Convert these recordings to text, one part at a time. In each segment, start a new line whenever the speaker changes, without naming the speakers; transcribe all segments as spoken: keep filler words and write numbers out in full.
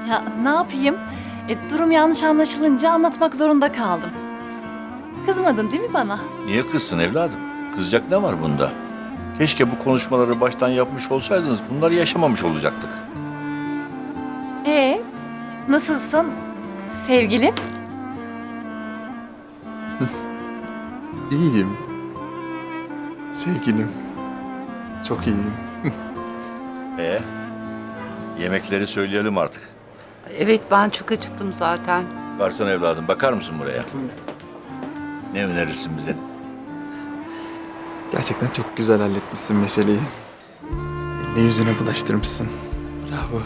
Ya ne yapayım? E, durum yanlış anlaşılınca anlatmak zorunda kaldım. Kızmadın değil mi bana?
Niye kızsın evladım? Kızacak ne var bunda? Keşke bu konuşmaları baştan yapmış olsaydınız bunları yaşamamış olacaktık.
Ee, nasılsın sevgilim?
İyiyim. Sevgilim. Çok iyiyim.
Ee, yemekleri söyleyelim artık.
Evet, ben çok acıktım zaten.
Garson evladım bakar mısın buraya? Ne önerirsin bize?
Gerçekten çok güzel halletmişsin meseleyi. Ne yüzüne bulaştırmışsın. Bravo.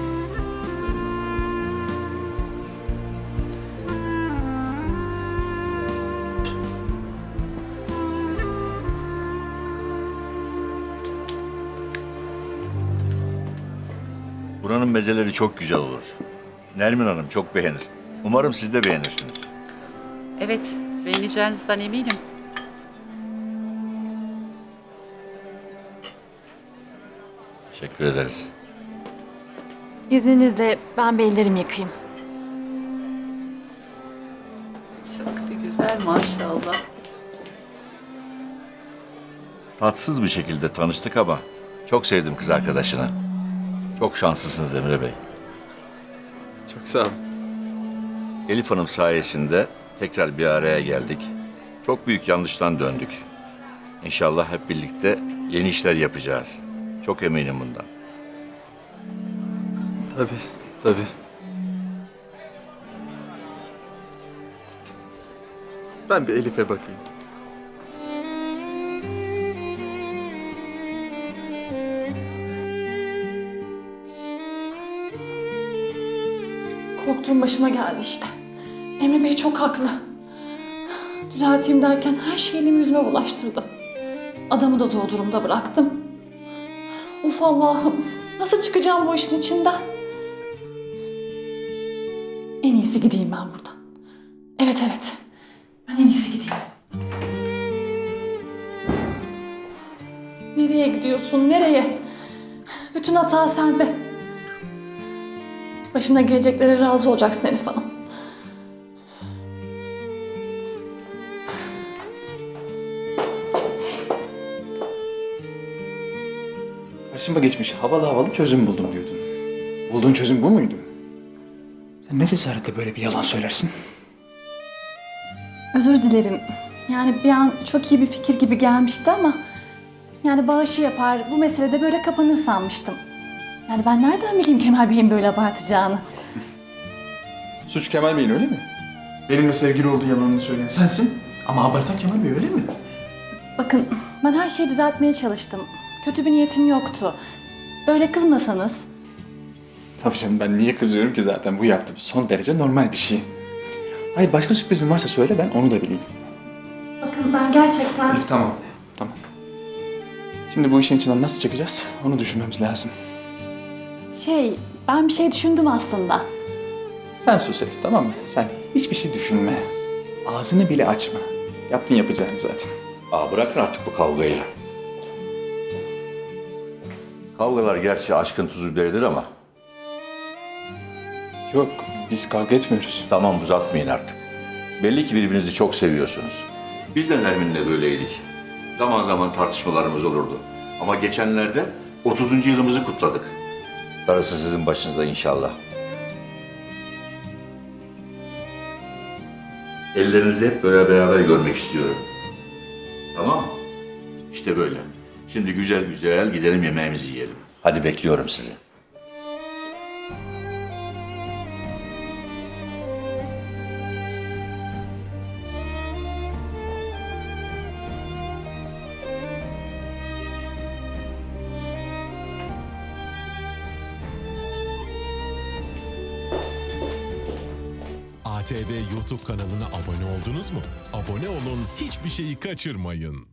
Buranın mezeleri çok güzel olur. Nermin Hanım çok beğenir. Umarım siz de beğenirsiniz.
Evet, beğeneceğinizden eminim.
Teşekkür ederiz.
İzninizle ben bir ellerimi yıkayayım.
Çok da güzel maşallah.
Tatsız bir şekilde tanıştık ama çok sevdim kız arkadaşını. Çok şanslısınız Emre Bey.
Çok sağ olun.
Elif Hanım sayesinde tekrar bir araya geldik. Çok büyük yanlıştan döndük. İnşallah hep birlikte yeni işler yapacağız. Çok eminim bundan.
Tabii, tabii. Ben bir Elif'e bakayım.
Korktuğum başıma geldi işte. Emre Bey çok haklı. Düzelteyim derken her şeyi elimi yüzüme bulaştırdım. Adamı da zor durumda bıraktım. Of Allah'ım, nasıl çıkacağım bu işin içinden? En iyisi gideyim ben buradan. Evet evet, ben en iyisi gideyim. Nereye gidiyorsun, nereye? Bütün hata sende. Başına geleceklere razı olacaksın Elif Hanım.
Karşıma geçmiş havalı havalı çözüm buldum diyordun. Bulduğun çözüm bu muydu? Sen ne cesaretle böyle bir yalan söylersin?
Özür dilerim. Yani bir an çok iyi bir fikir gibi gelmişti ama... Yani bağışı yapar, bu meselede böyle kapanır sanmıştım. Yani ben nereden bileyim Kemal Bey'in böyle abartacağını?
Suç Kemal Bey'in öyle mi? Benimle sevgili olduğu yalanını söyleyen sensin ama abartan Kemal Bey öyle mi?
Bakın ben her şeyi düzeltmeye çalıştım. Kötü bir niyetim yoktu. Böyle kızmasanız.
Tabii canım, ben niye kızıyorum ki zaten, bu yaptığım son derece normal bir şey. Hayır, başka sürprizin varsa söyle, ben onu da bileyim.
Bakın ben gerçekten...
Elif tamam, tamam. Şimdi bu işin içinden nasıl çıkacağız onu düşünmemiz lazım.
Şey, ben bir şey düşündüm aslında.
Sen sus Elif, tamam mı? Sen hiçbir şey düşünme. Ağzını bile açma. Yaptın yapacağını zaten.
Aa, bırakın artık bu kavgayı. Kavgalar gerçi aşkın tuzu biberidir ama
Yok, biz kavga etmiyoruz.
tamam uzatmayın artık. Belli ki birbirinizi çok seviyorsunuz. Biz de Nermin'le böyleydik. Zaman zaman tartışmalarımız olurdu. Ama geçenlerde otuzuncu yılımızı kutladık. Darısı sizin başınıza inşallah. Ellerinizi hep böyle beraber görmek istiyorum. Tamam mı? İşte böyle. Şimdi güzel güzel gidelim yemeğimizi yiyelim. Hadi bekliyorum sizi.
A T V YouTube kanalına abone oldunuz mu? Abone olun, hiçbir şeyi kaçırmayın.